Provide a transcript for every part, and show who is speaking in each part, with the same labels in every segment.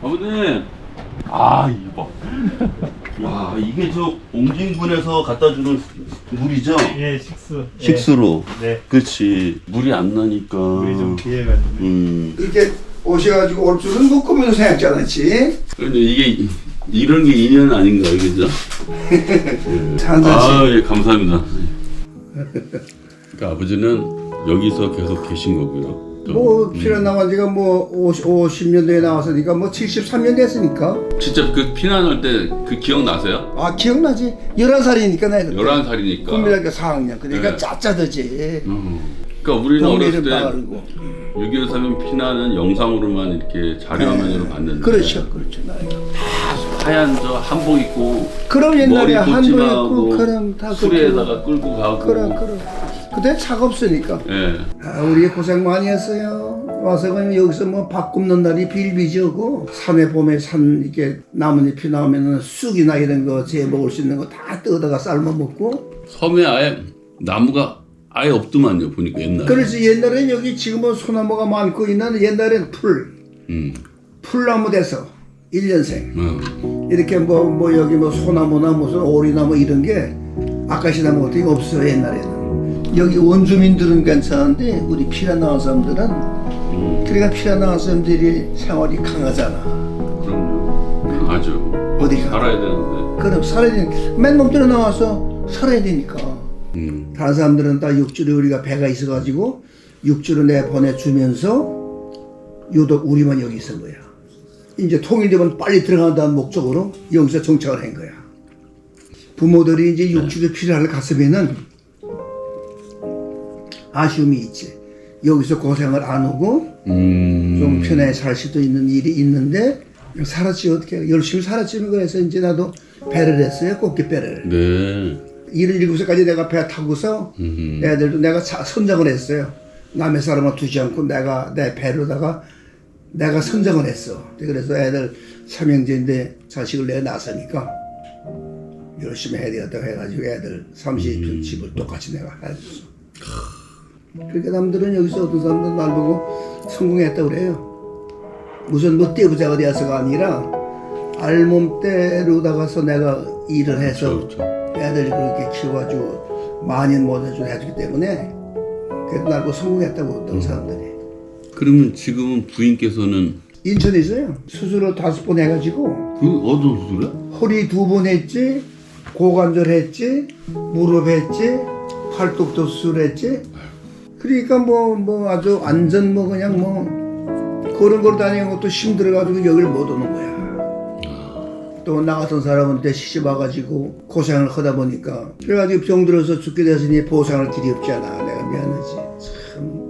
Speaker 1: 아버님. 아 이거. 와 이게 저 옹진군에서 갖다 주는 물이죠?
Speaker 2: 예, 식수.
Speaker 1: 식수로.
Speaker 2: 네.
Speaker 1: 그렇지. 물이 안 나니까.
Speaker 2: 물이 좀 귀해가지고.
Speaker 3: 이렇게 오셔가지고 올 줄은 뭐 꿈에도 생각지 않았지.
Speaker 1: 그런데 이게 이런 게 인연 아닌가요, 그죠?
Speaker 3: 산산씨.
Speaker 1: 예, 감사합니다. 그러니까 아버지는 여기서 계속 계신 거고요.
Speaker 3: 뭐 피난 나온 지가 뭐 50년도에 나왔으니까 뭐 73년 됐으니까.
Speaker 1: 진짜 그 피난할 때 그 기억 나세요?
Speaker 3: 아 기억나지? 11살이니까 내가 그때.
Speaker 1: 11살이니까.
Speaker 3: 국민학교 4학년. 그러니까
Speaker 1: 네.
Speaker 3: 짜짜더지.
Speaker 1: 그러니까 우리는 어렸을
Speaker 3: 동네를
Speaker 1: 때
Speaker 3: 따르고.
Speaker 1: 6.25 사면 피난은 영상으로만 이렇게 자료화면으로 봤는데.
Speaker 3: 그렇죠, 그렇죠. 나이가.
Speaker 1: 하얀 저 한복 입고
Speaker 3: 그럼 옛날에
Speaker 1: 머리
Speaker 3: 한복
Speaker 1: 꽂지마하고
Speaker 3: 입고 그럼 다
Speaker 1: 수레에다가 끌고 가고.
Speaker 3: 그럼. 그때 차가 없으니까.
Speaker 1: 예.
Speaker 3: 아, 우리 고생 많이 했어요. 와서 그냥 여기서 뭐 밥 굽는 날이 빌비지고 산에 봄에 산 이렇게 나뭇잎이 나오면은 쑥이나 이런 거 재 먹을 수 있는 거 다 뜯어다가 삶아 먹고.
Speaker 1: 섬에 아예 나무가 아예 없더만요, 보니까 옛날에.
Speaker 3: 그래서 옛날엔 여기 지금은 소나무가 많고 있는 옛날엔 풀나무 돼서 1년생 이렇게 뭐 여기 뭐 소나무나 무슨 오리나무 이런 게 아카시나무 같은 게 없어요 옛날에는. 여기 원주민들은 괜찮은데 우리 피라 나온 사람들은 그러니까 피라 나온 사람들이 생활이 강하잖아.
Speaker 1: 그럼요. 강하죠.
Speaker 3: 어디가?
Speaker 1: 살아야 되는데.
Speaker 3: 그럼 살아야 되니까 맨 몸뚱이 나와서 살아야 되니까. 다른 사람들은 다 육주로 우리가 배가 있어가지고 육주로 내보내주면서 유독 우리만 여기 있은 거야. 이제 통일되면 빨리 들어간다는 목적으로 여기서 정착을 한 거야. 부모들이 이제 육주로 필요할 갔으면은 아쉬움이 있지. 여기서 고생을 안 하고 좀 편하게 살 수도 있는 일이 있는데 살았지 어떻게 열심히 살았지 그래서 이제 나도 배를 했어요. 꽃게배를.
Speaker 1: 네.
Speaker 3: 77살까지 내가 배 타고서 애들도 내가 선정을 했어요. 남의 사람을 두지 않고 내가 내 배로다가 내가 선정을 했어. 그래서 애들 삼형제인데 자식을 내가 낳았으니까 열심히 해야 되겠다고 해가지고 애들 30평 집을 똑같이 내가 해줬어. 그러니까 남들은 여기서 어떤 사람들은 날 보고 성공했다고 그래요. 무슨 뭐 떼부자가 되어서가 아니라 알몸대로다가서 내가 일을 해서
Speaker 1: 그렇죠.
Speaker 3: 애들 그렇게 키워가지고 만인 모자를 해주기 때문에 그래도 날 보고 성공했다고 어떤 사람들이.
Speaker 1: 그러면 지금은 부인께서는
Speaker 3: 인천에 있어요. 수술을 5번 해가지고
Speaker 1: 그 어떤 수술이야?
Speaker 3: 허리 2번 했지, 고관절 했지, 무릎 했지, 팔뚝도 수술했지. 그러니까 뭐 아주 완전 뭐 그냥 뭐 걸음 다니는 것도 힘들어가지고 여기를 못 오는 거야. 또 나 같은 사람한테 시집 와가지고 고생을 하다 보니까 그래가지고 병들어서 죽게 됐으니 보상할 길이 없잖아. 내가 미안하지. 참.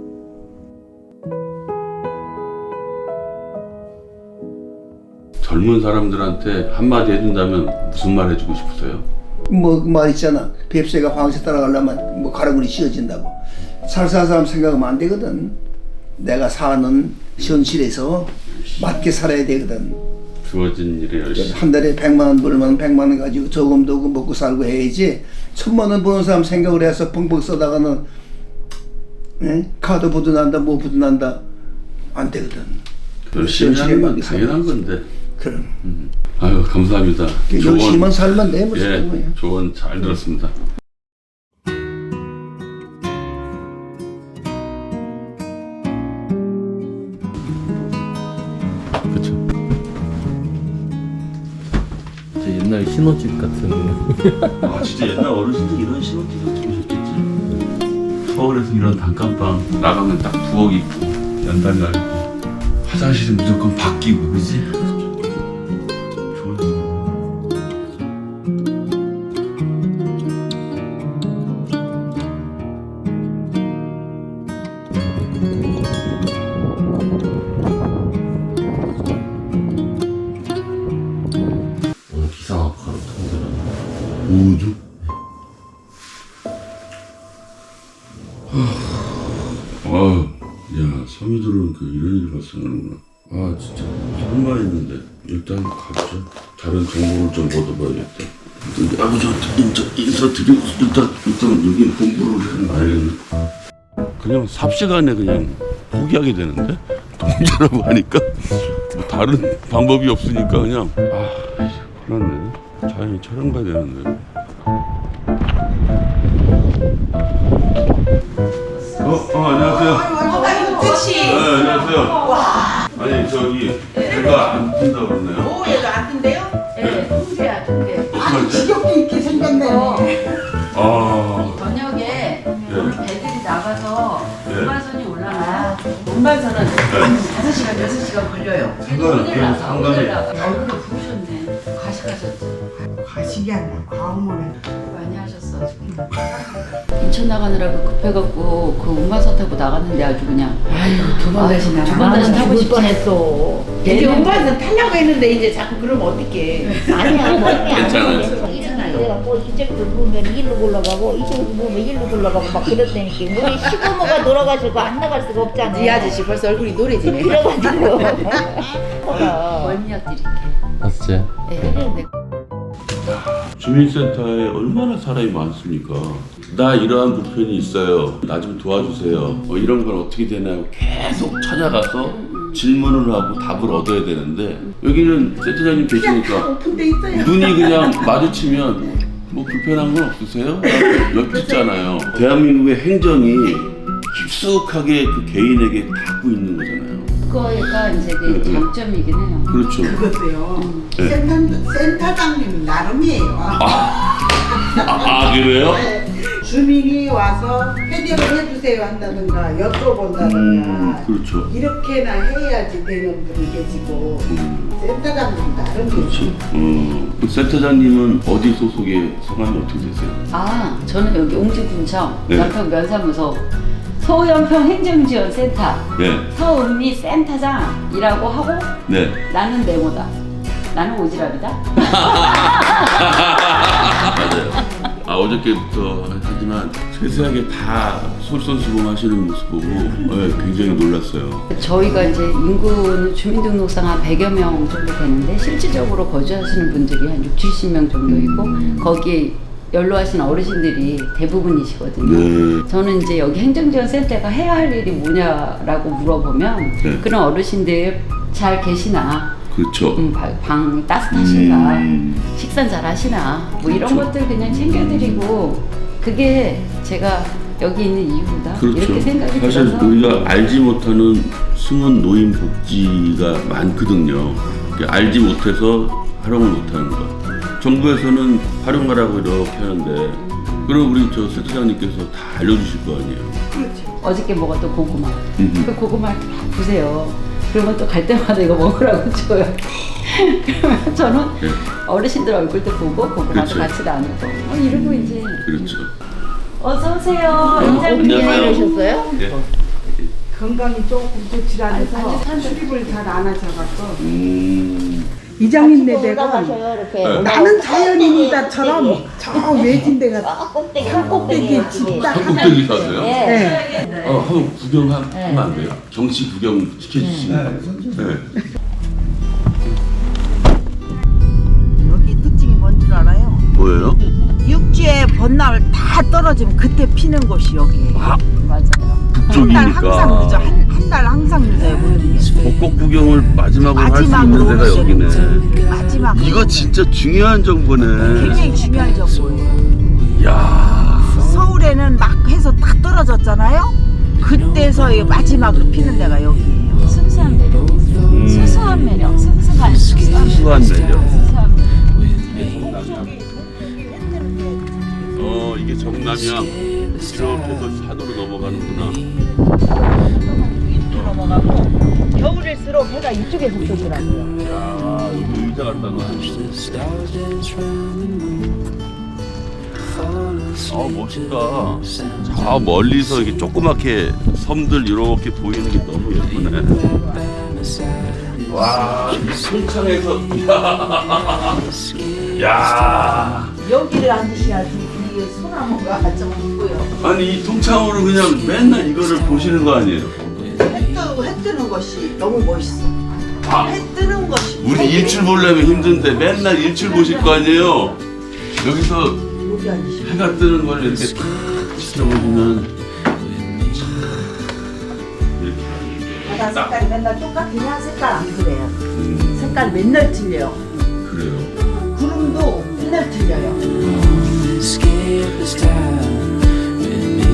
Speaker 1: 젊은 사람들한테 한마디 해준다면 무슨 말 해주고 싶으세요?
Speaker 3: 뭐 그 말 있잖아. 뱁새가 황새 따라가려면 뭐 가라구리 씌어진다고. 살살 사람 생각하면 안 되거든. 내가 사는 현실에서 맞게 살아야 되거든.
Speaker 1: 주어진 일에 열심히.
Speaker 3: 한 달에 100만 원 벌면 100만 원 가지고 저금도 먹고 살고 해야지. 1000만 원 버는 사람 생각을 해서 펑펑 써다가는 카드 부도난다 뭐 부도난다 안 되거든.
Speaker 1: 열심히 하는 건 당연한 건데.
Speaker 3: 그럼.
Speaker 1: 아유 감사합니다.
Speaker 3: 열심히만 살면 돼. 무슨
Speaker 1: 예,
Speaker 3: 거야.
Speaker 1: 조언 잘 들었습니다. 그렇죠.
Speaker 4: 옛날 신혼집 같은.
Speaker 1: 아 진짜 옛날 어르신들 이런 신혼집에서 들으셨겠지. 서울에서 이런 단칸방 나가면 딱 부엌 있고 연단 갈고 화장실은 무조건 바뀌고 그지? 좋은
Speaker 4: 오늘 기상하고 가로 통들어.
Speaker 1: 우주? 야 섬유들은 그 이런 일이 발생하는구나. 아 진짜 설마 했는데 일단 가보자. 다른 정보를 좀 얻어봐야겠다. 아버지 인사드리고 일단 여기 공부를 해놔야겠네. 그냥 삽시간에 그냥 포기하게 되는데 동자라고 하니까 뭐 다른 방법이 없으니까 그냥 그렇네. 자연히 촬영 가야 되는데. 안녕하세요.
Speaker 5: 택시.
Speaker 1: 네, 안녕하세요. 아니 저기 배가 안 뜬다 그러네요.
Speaker 5: 오후에도 안 뜬대요?
Speaker 6: 네, 통제야, 통제.
Speaker 1: 어떡하지?
Speaker 5: 지겹게 있게 생겼네.
Speaker 6: 저녁에 오늘 배들이 나가서
Speaker 1: 네.
Speaker 6: 운반선이 올라가요. 운반선은 한 5시간, 6시간 걸려요.
Speaker 1: 상관이.
Speaker 6: 얼굴을 부으셨네. 과식하셨죠.
Speaker 5: 가식이 아니라 과음을 해.
Speaker 6: 많이 하셨어, 지금. 인천 나가느라고 급해갖고 그 운반선 타고 나갔는데 아주 그냥.
Speaker 5: 두번 다시 나가.
Speaker 6: 두번 다시 타고 싶지
Speaker 5: 뻔했어. 이제 운반선 타려고 했는데 이제 자꾸 그러면 어떡해.
Speaker 7: 아니야, 멀미 안
Speaker 1: 괜찮아요.
Speaker 7: 괜찮아요. 내가 뭐 이쪽으로 보면 일로 굴러가고 이쪽으로 보면 일로 굴러가고 막 그랬다니까. 우리 시부모가 놀아가지고 안 나갈 수가 없잖아.
Speaker 5: 이 아저씨 벌써 얼굴이 노래지네.
Speaker 7: 그래가지고.
Speaker 6: 멀미약 드릴게.
Speaker 4: 맞지?
Speaker 6: 네.
Speaker 1: 주민센터에 얼마나 사람이 많습니까? 나 이러한 불편이 있어요. 나 좀 도와주세요. 이런 건 어떻게 되나요? 계속 찾아가서 질문을 하고 답을 얻어야 되는데 여기는 센터장님 계시니까
Speaker 5: 오픈돼 있어요.
Speaker 1: 눈이 그냥 마주치면 뭐 불편한 건 없으세요? 엿듣잖아요. 대한민국의 행정이 깊숙하게 그 개인에게 닿고 있는 거잖아요.
Speaker 6: 그거가 이제 그 장점이긴 해요.
Speaker 1: 그렇죠.
Speaker 5: 그것도요.
Speaker 1: 네.
Speaker 5: 센터장님 나름이에요.
Speaker 1: 그래요?
Speaker 5: 주민이 와서 해결을 해주세요 한다든가 여쭤본다든가
Speaker 1: 그렇죠.
Speaker 5: 이렇게나 해야지 되는 분이 계시고 센터장님 나름이죠.
Speaker 1: 그 센터장님은 어디 소속의 성함이 어떻게 되세요?
Speaker 6: 저는 여기 옹주군청
Speaker 1: 네.
Speaker 6: 연평 면사무소 소연평 행정지원센터
Speaker 1: 네.
Speaker 6: 서은미 센터장이라고 하고
Speaker 1: 네.
Speaker 6: 나는 네모다. 나는 오지랖이다.
Speaker 1: 맞아요. 어저께부터 하지만 세세하게 다 솔선수범하시는 모습 보고 굉장히 놀랐어요.
Speaker 6: 저희가 이제 인구는 주민등록상 한 100여 명 정도 되는데 실질적으로 거주하시는 분들이 한 6, 70명 정도 있고 거기에 연로하신 어르신들이 대부분이시거든요.
Speaker 1: 네.
Speaker 6: 저는 이제 여기 행정지원센터가 해야 할 일이 뭐냐라고 물어보면
Speaker 1: 네.
Speaker 6: 그런 어르신들 잘 계시나,
Speaker 1: 그렇죠.
Speaker 6: 방 따뜻하신가, 식사 잘 하시나, 뭐 이런
Speaker 1: 그렇죠.
Speaker 6: 것들 그냥 챙겨드리고 그게 제가 여기 있는 이유다.
Speaker 1: 그렇죠.
Speaker 6: 이렇게 생각이
Speaker 1: 사실
Speaker 6: 들어서
Speaker 1: 우리가 알지 못하는 숨은 노인 복지가 많거든요. 알지 못해서 활용을 못하는 것. 정부에서는 활용하라고 이렇게 하는데 그럼 우리 저 센터장님께서 다 알려주실 거 아니에요.
Speaker 6: 어저께 먹었던 고구마.
Speaker 1: 음흠.
Speaker 6: 그 고구마를 막 부세요. 그러면 또 갈 때마다 이거 먹으라고 줘요. 그러면 저는
Speaker 1: 네.
Speaker 6: 어르신들 얼굴도 보고 고구마도
Speaker 1: 그렇죠.
Speaker 6: 같이 나누고 이러고 이제
Speaker 1: 그렇죠.
Speaker 6: 어서 오세요. 인장님.
Speaker 1: 안녕하세요.
Speaker 7: 그러셨어요?
Speaker 1: 네.
Speaker 5: 건강이 조금 좋지 않아서 출입을 잘 안 하셔갖고
Speaker 7: 이장님네
Speaker 5: 이장님네
Speaker 7: 올라가셔요, 이렇게.
Speaker 1: 네.
Speaker 5: 나는 자연인이다처럼 저 외진 데가
Speaker 7: 꼭대기,
Speaker 5: 꼭대기 집다
Speaker 1: 꼭대기 사세요?
Speaker 7: 네.
Speaker 1: 한번 구경하면 안 돼요? 정치 구경 시켜주시면. 네.
Speaker 5: 여기 특징이 뭔 줄 알아요?
Speaker 1: 뭐예요?
Speaker 5: 육지에 벚나물 다 떨어지면 그때 피는 곳이 여기예요.
Speaker 6: 맞아요.
Speaker 5: 한 달 항상 늦어.
Speaker 1: 쪽이니까
Speaker 5: 한 달 항상 늦어요. 모든 게.
Speaker 1: 벚꽃 구경을 마지막으로 할 수 있는 데가
Speaker 5: 오시는
Speaker 1: 여기네.
Speaker 5: 마지막
Speaker 1: 이거 진짜 중요한 정보네.
Speaker 5: 굉장히 중요한 정보예요.
Speaker 1: 야.
Speaker 5: 서울에는 막 해서 딱 떨어졌잖아요. 그때서 이 마지막으로 피는 데가 여기예요.
Speaker 6: 순수한 매력. 순수한 매력. 순수한
Speaker 1: 수수한 매력.
Speaker 6: 순수한 매력.
Speaker 1: 이게 정남이야. 이렇게 해서 산으로 넘어가는구나.
Speaker 5: 이쪽으로 넘어가고 겨울일수록 해가 이쪽에서 뜨더라고요.
Speaker 1: 야, 여기 의자 갖다 놔. 멋있다. 저 멀리서 이렇게 조그맣게 섬들 이렇게 보이는 게 너무 예쁘네. 와, 송창에서 야.
Speaker 5: 여기를 앉으셔야지 이 소나무가 좀 있고요.
Speaker 1: 아니 이 통창으로 그냥 맨날 이거를 보시는 거 아니에요?
Speaker 5: 해 뜨는 것이 너무 멋있어. 해 뜨는 것이.
Speaker 1: 우리 일출 보려면 힘든데 맨날 일출 보실 거 아니에요? 여기서
Speaker 5: 여기 앉으시면.
Speaker 1: 해가 뜨는 걸 이렇게 탁 지켜보시면 이렇게
Speaker 5: 바다 색깔이 맨날 똑같으냐? 색깔 안 그래요. 색깔 맨날 틀려요.
Speaker 1: 그래요.
Speaker 5: 구름도 맨날 틀려요.
Speaker 8: Skip this time with me.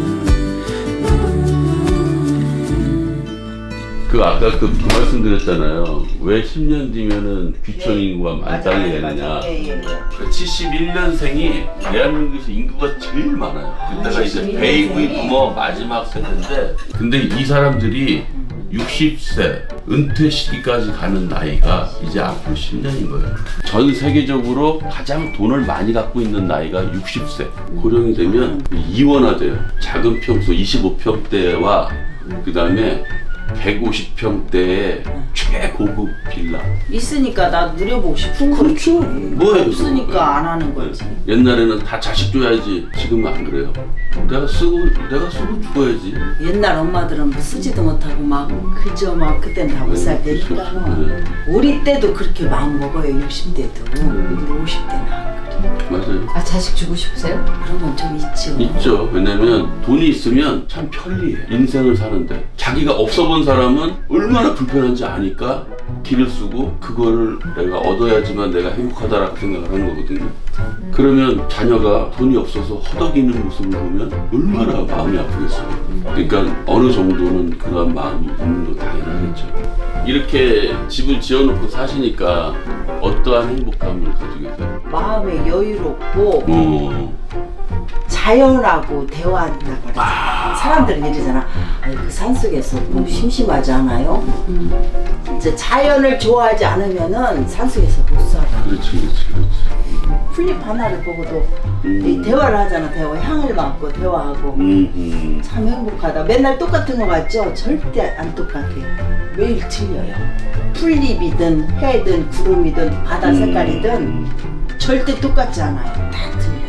Speaker 1: 그 아까 그 말씀드렸잖아요. 왜 10년 뒤면은 귀촌 인구가 만땅이 되느냐.
Speaker 5: 예.
Speaker 1: 71년생이 대한민국에서 인구가 제일 많아요. 그때가 이제 베이비 부머 마지막 세대인데, 근데 이 사람들이 60세 은퇴 시기까지 가는 나이가 이제 앞으로 10년인 거예요. 전 세계적으로 가장 돈을 많이 갖고 있는 나이가 60세. 고령이 되면 이원화돼요. 작은 평소 25평대와 그 다음에 150평대의 최고급 빌라.
Speaker 5: 있으니까 나 누려보고 싶은 거지.
Speaker 1: 그렇죠. 뭐예요?
Speaker 5: 없으니까 안 하는 거지.
Speaker 1: 옛날에는 다 자식 줘야지. 지금은 안 그래요. 내가 쓰고 죽어야지.
Speaker 5: 옛날 엄마들은 뭐 쓰지도 못하고 막 그저 막 그땐 다 못 살 때니까.
Speaker 1: 네.
Speaker 5: 우리 때도 그렇게 마음 먹어요. 60대도. 근데 50대는 안 그래.
Speaker 1: 맞아요.
Speaker 6: 아 자식 주고 싶으세요?
Speaker 5: 그런 건 좀 있죠.
Speaker 1: 있죠. 왜냐면 돈이 있으면 참 편리해. 인생을 사는데. 자기가 없어 본 사람은 얼마나 불편한지 아니까 길을 쓰고 그거를 내가 얻어야지만 내가 행복하다라고 생각을 하는 거거든요. 그러면 자녀가 돈이 없어서 허덕이는 모습을 보면 얼마나 마음이 아프겠어요. 그러니까 어느 정도는 그런 마음이 있는 거 당연하겠죠. 이렇게 집을 지어놓고 사시니까 어떠한 행복감을 가지고 계세요?
Speaker 5: 마음에 여유롭고 자연하고 대화한다고 그러잖아. 사람들은 이러잖아. 아니 그 산속에서 뭐 심심하지 않아요? 이제 자연을 좋아하지 않으면은 산속에서 못 살아.
Speaker 1: 그렇지.
Speaker 5: 풀잎 하나를 보고도 이 대화를 하잖아. 향을 맡고 대화하고 참 행복하다. 맨날 똑같은 거 같죠? 절대 안 똑같아요. 매일 틀려요. 풀잎이든 해든 구름이든 바다 색깔이든 절대 똑같지 않아요. 다 틀려요.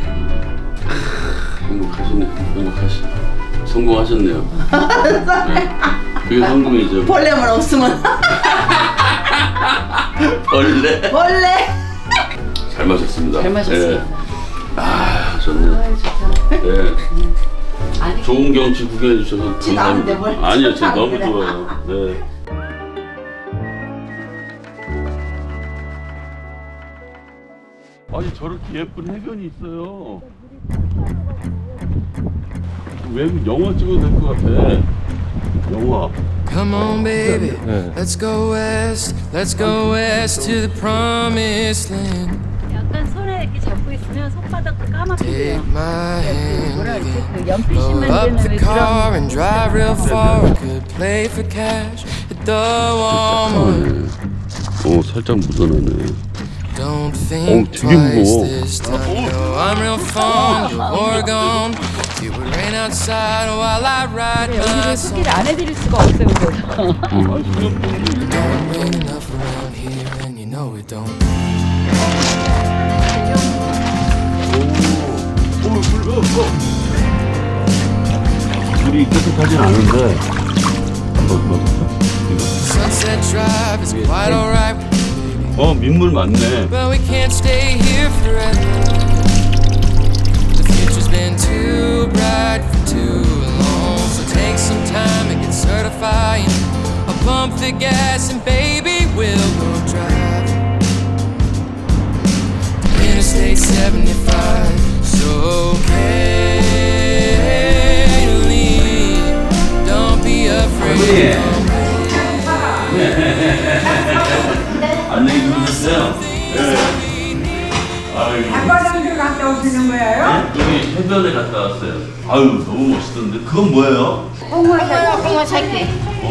Speaker 1: 성공하셨네요. 네. 그게 성공이죠.
Speaker 5: 벌레만 없으면 벌레.
Speaker 1: 잘 마셨습니다.
Speaker 6: 잘 마셨어요.
Speaker 1: 네. 아 좋네. 네.
Speaker 6: 아니
Speaker 1: 좋은 경치 구경해 주셔서
Speaker 5: 않은데 뭘
Speaker 1: 아니요, 지금
Speaker 5: 안
Speaker 1: 너무
Speaker 5: 그래.
Speaker 1: 좋아요. 네. 아니 저렇게 예쁜 해변이 있어요. 외국 영화 찍어도 될 것 같아. 영화.
Speaker 8: Come on, baby, let's go west to the promised land.
Speaker 9: 약간 손에 이렇게 잡고 있으면 손바닥도 까맣게
Speaker 8: Take
Speaker 9: 돼요.
Speaker 8: my hand,
Speaker 9: 뭐라 그러지? 그
Speaker 8: load
Speaker 9: 연필심만
Speaker 8: up
Speaker 9: 되는
Speaker 8: the
Speaker 9: 왜
Speaker 8: car
Speaker 9: 그런
Speaker 8: and drive real far. We could play for cash at the Walmart.
Speaker 1: 오 살짝 묻어나네.
Speaker 8: Don't think
Speaker 1: 되게 무거워.
Speaker 8: twice this time. No, I'm real fond of Oregon. It would rain outside while I ride my
Speaker 9: 여기를
Speaker 8: song.
Speaker 9: 소개를 안 해드릴 수가 없어요. 그래서.
Speaker 8: Don't rain enough around here, and you know it don't.
Speaker 1: 물이 깨끗하진 않은데.
Speaker 8: Sunset Drive is quite alright,
Speaker 1: 민물 많네.
Speaker 8: but we can't stay here forever. The future's been too bright for too long, so take some time and get certified. I'll pump the gas and baby we'll go drive. Interstate 75, so carefully. Don't be afraid.
Speaker 1: 안녕히 주무셨어요? 네. 아이고.
Speaker 10: 백화점들 갔다 오시는 거예요?
Speaker 1: 여기 해변에 갔다 왔어요. 아유 너무 멋있던데. 그건 뭐예요?
Speaker 10: 홍어 새끼.
Speaker 1: 오,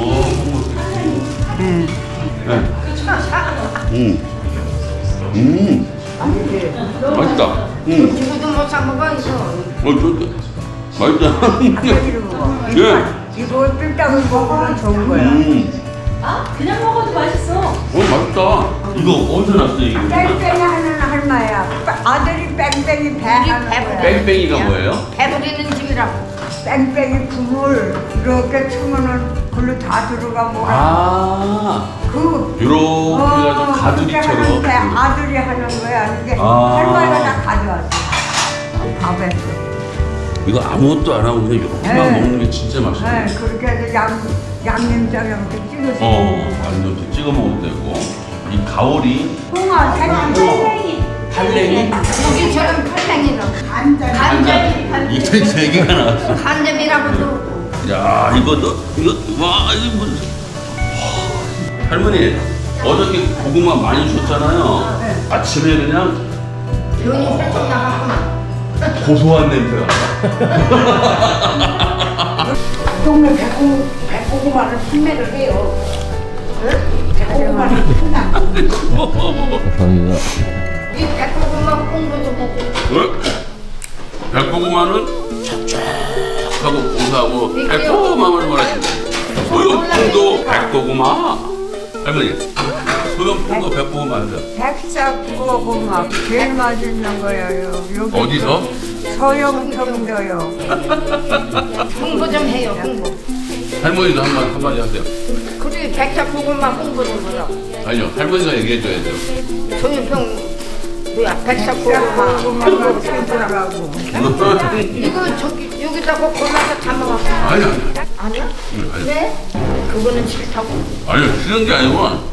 Speaker 1: 맛있다.
Speaker 10: 이거도 못 사 먹어 이거.
Speaker 1: 맛있다.
Speaker 10: 이거 먹어.
Speaker 1: 예.
Speaker 10: 이거 찜닭을 먹으면 좋은 거야.
Speaker 9: 그냥 먹어도 맛있어.
Speaker 1: 맛있다. 이거 어디서 났어요 이거?
Speaker 10: 뺑뺑이 하는 할머니야. 아들이 뺑뺑이 배 하는 거야.
Speaker 1: 뺑뺑이가 뭐예요?
Speaker 10: 배부리는 집이라고. 뺑뺑이 국물 이렇게 치면은 글로 다 들어가 뭐라.
Speaker 1: 아,
Speaker 10: 그
Speaker 1: 요렇게 해가지고
Speaker 10: 그렇게
Speaker 1: 가두리처럼.
Speaker 10: 하는데 아들이 하는 거야. 이게
Speaker 1: 아.
Speaker 10: 할머니가 다 가져왔어. 밥에서.
Speaker 1: 그 이거 아무것도 안 하고 그냥 이렇게만
Speaker 10: 네.
Speaker 1: 먹는 게 진짜 맛있어.
Speaker 10: 네, 그렇게 해서 양념장에 이렇게 찍어서.
Speaker 1: 완전 찍어 먹어도 되고. 이 가오리,
Speaker 10: 홍어, 달팽이.
Speaker 1: 달랭이,
Speaker 10: 여기처럼 달팽이로. 간장이.
Speaker 1: 이게 세 개가 나왔어.
Speaker 10: 간장이라고도.
Speaker 1: 야, 이거 와, 이거 뭐. 할머니, 어저께 고구마 많이 줬잖아요. 아침에 그냥
Speaker 10: 돈이 살짝 나갔구나.
Speaker 1: 고소한 냄새가.
Speaker 10: 동네 백고구마를 판매를 해요. 백고구마를 판다.
Speaker 4: 감사합니다.
Speaker 10: 이 백고구마 홍보 좀 해줘.
Speaker 1: 백고구마는 촉촉하고 고소하고 백고구마를 말하시네. 소염풍도 백고구마. 할머니, 소염풍도 백고구마 아세요?
Speaker 10: 백삭고구마 제일 맛있는 거예요. 여기
Speaker 1: 어디서?
Speaker 10: 서영평도요. 홍보 좀 해요. 홍보.
Speaker 1: 할머니도 한마디 하세요.
Speaker 10: 그래 백삭고구마 홍보 좀 해요.
Speaker 1: 아니요, 할머니가 얘기해줘야죠.
Speaker 10: 소영평 뭐야 백삭고구마 생선하고. 이거 저기 여기다가 골라서 담아갖고.
Speaker 1: 아니야.
Speaker 10: 아니야?
Speaker 1: 아니요.
Speaker 10: 왜? 그거는 싫다고.
Speaker 1: 아니요, 싫은 게 아니고.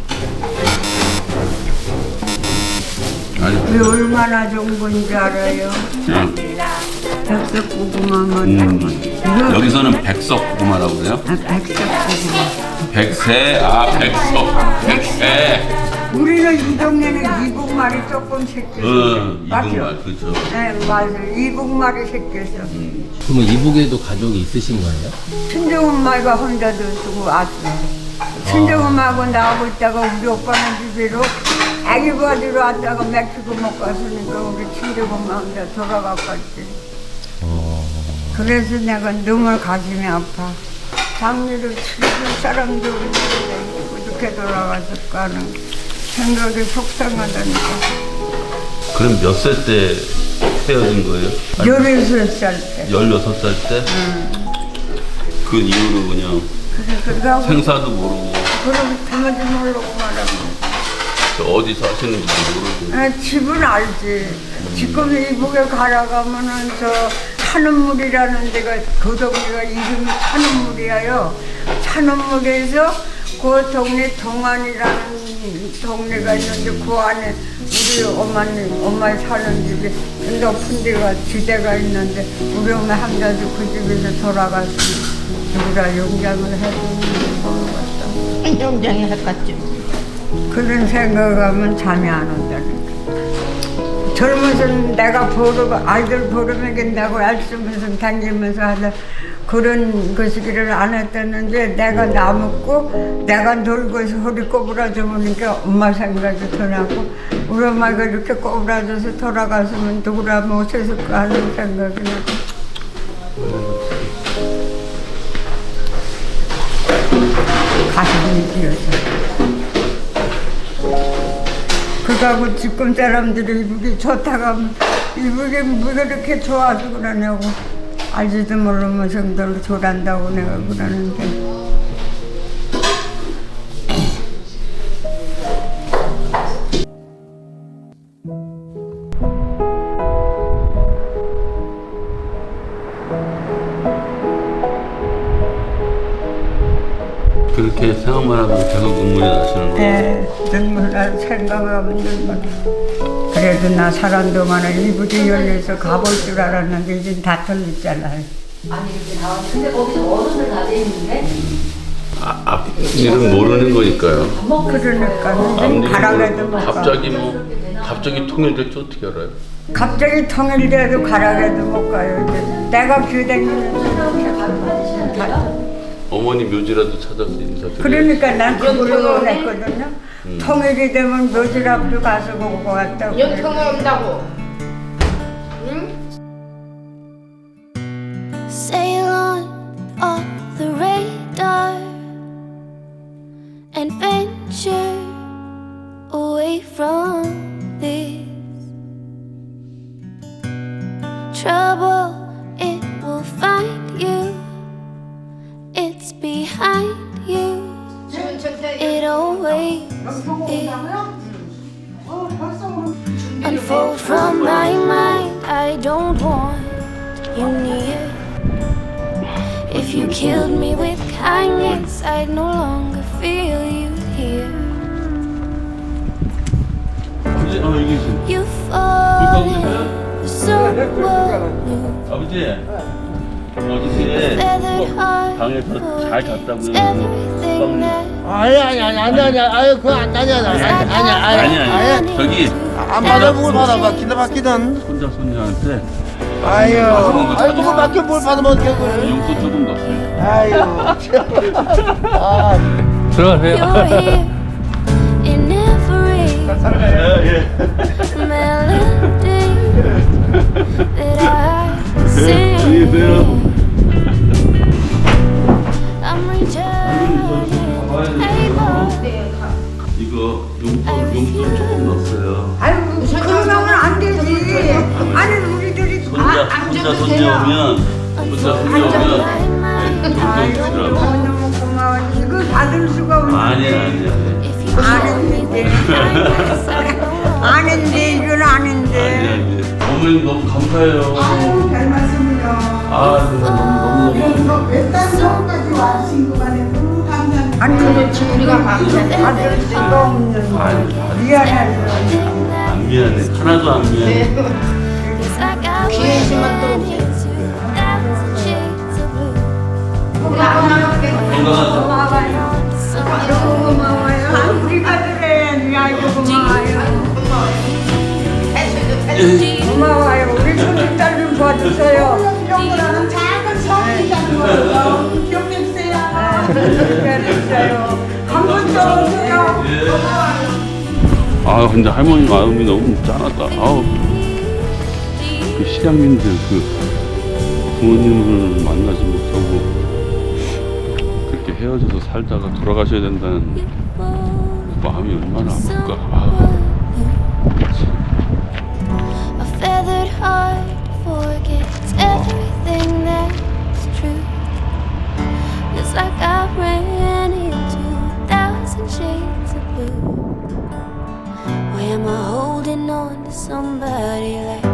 Speaker 1: 아니,
Speaker 10: 왜 얼마나 좋은 건지 알아요? 백석고구마만.
Speaker 1: 여기서는 백석고구마라고 그래요?
Speaker 10: 백석고구마.
Speaker 1: 백세, 백세.
Speaker 10: 우리는 이 동네는 이북말이 조금 새겼어.
Speaker 1: 이북말, 그렇죠.
Speaker 10: 네, 맞아요. 이북말이 새겼어.
Speaker 4: 그러면 이북에도 가족이 있으신 거예요?
Speaker 10: 친정엄마가 혼자도 두고 왔어. 친정엄마하고 나하고 있다가 우리 오빠는 집으로 아기 받으러 왔다가 멕시코 못 갔으니까 우리 친정엄마 혼자 돌아갔겠지. 그래서 내가 너무 가슴이 아파. 장례를 치러줄 사람도 없는데 어떻게 돌아갔을까 하는 생각이 속상하다니까.
Speaker 1: 그럼 몇 살 때 헤어진 거예요?
Speaker 10: 16살 때.
Speaker 1: 16살 때? 그 이후로 그냥
Speaker 10: 그러고
Speaker 1: 생사도 모르고
Speaker 10: 그럼 가만히 모르고 말하고.
Speaker 1: 저 어디 사시는지도 모르고.
Speaker 10: 아, 집은 알지. 지금 이북에 가라가면은 저 찬원물이라는 데가 그 동네가 이름이 찬원물이에요. 찬원물에서 그 동네 동안이라는 동네가 있는데 그 안에 우리 엄마 사는 집이 높은 데가 지대가 있는데 우리 엄마 함자도 그 집에서 돌아가서 누구라 용장을 해주는지 모르겠다. 용장에 했겠지. 그런 생각하면 잠이 안 온다니까. 젊어서 내가 아이들 보름해긴다고 애쓰면서 다니면서 하다 그런 것이기를 안 했다는데 내가 남았고 내가 놀고서 허리 꼬부라져 보니까 엄마 생각이 더 나고 우리 엄마가 이렇게 꼬부라져서 돌아갔으면 누구라 못했을까 하는 생각이 나고 가슴이 뛰어서 그거하고 지금 사람들이 이북이 좋다고 하면 이북이 뭐가 이렇게 좋아서 그러냐고 알지도 모르면서 널 좋아한다고 내가 그러는데
Speaker 1: 그렇게 생각만 하면 계속 눈물이 나시는 거예요?
Speaker 10: 네, 눈물 나 생각하면 눈물. 그래도 나 사는 동안에 이북이 열려서 가볼 줄 알았는데 이제 다 털렸잖아요.
Speaker 6: 아니 이렇게 나왔는데 거기서 어른들 다 돼 있는데
Speaker 1: 앞일은 모르는 거니까요.
Speaker 10: 그러니까 가락에도 못 가.
Speaker 1: 갑자기 통일될지 어떻게 알아요?
Speaker 10: 갑자기 통일돼도 가락에도 못 가요. 이제 내가 비대면은 다.
Speaker 1: 어머니 묘지라도 찾아서 인사드려요.
Speaker 10: 그러니까 난 그걸로 원했거든요. 통일이 되면 묘지랍도 가서 보고 왔다고.
Speaker 7: 연평을 온다고.
Speaker 11: Sail on off the radar and venture away from this trouble. It will find you. It's behind you. It always is. Unfold from my mind. I don't want you near. If you killed me with kindness, I'd no longer feel you here.
Speaker 1: 아버지, 여기 있어.
Speaker 11: You fall for someone new.
Speaker 1: 아버지, 어저께 방에서 잘 잤다고요?
Speaker 11: Everything that
Speaker 3: 아니 그거 안
Speaker 1: 아니. 저기
Speaker 3: 안 받아 뭘 받아봐 기다봤기든
Speaker 1: 손자 손녀한테
Speaker 3: 아유 그거밖에 뭘 받으면 어떡해
Speaker 1: 용돈 조금 넣었어요.
Speaker 3: 아유
Speaker 4: 들어가세요.
Speaker 11: you're here in every melody that I sing. I'm returning able.
Speaker 1: 이거 용돈 조금 넣었어요.
Speaker 10: 아유 그러면 안 되지. 아니 우리들이
Speaker 1: 손자 손녀 오면 용돈 주라고.
Speaker 10: 너무 고마워. 이거 받을 수가 없는.
Speaker 1: 아니야.
Speaker 10: 아는데 이건 아는데.
Speaker 1: 어머님 너무 감사해요.
Speaker 3: 아유 별 말씀을요
Speaker 1: 너무
Speaker 3: 몇달 전까지 와주신 것만에 너무 감사합니다
Speaker 10: 아니 그렇지 우리가 받을 수가 없는. 미안해요.
Speaker 1: 안 미안해. 하나도 안 미안해.
Speaker 11: 귀해지만 또
Speaker 10: 고마워요. 우리가 그래. 아이고 고마워요. 고마워요. 우리 손님딸 좀 봐주세요.
Speaker 3: 이런 작은 성이라는 걸 너무 기억해 주세요
Speaker 10: 기다렸어요. 한 번 더 오세요.
Speaker 1: 아 근데 할머니 마음이 너무 짠하다. 아우 그 실향민들 그 부모님을 만나지 못하고 그렇게 헤어져서 살다가 돌아가셔야 된다는 마음이 얼마나 아플까. 아우.
Speaker 11: A feathered heart forgets everything that's true. It's like I ran into 1,000 shades of blue. Why am I holding on to somebody like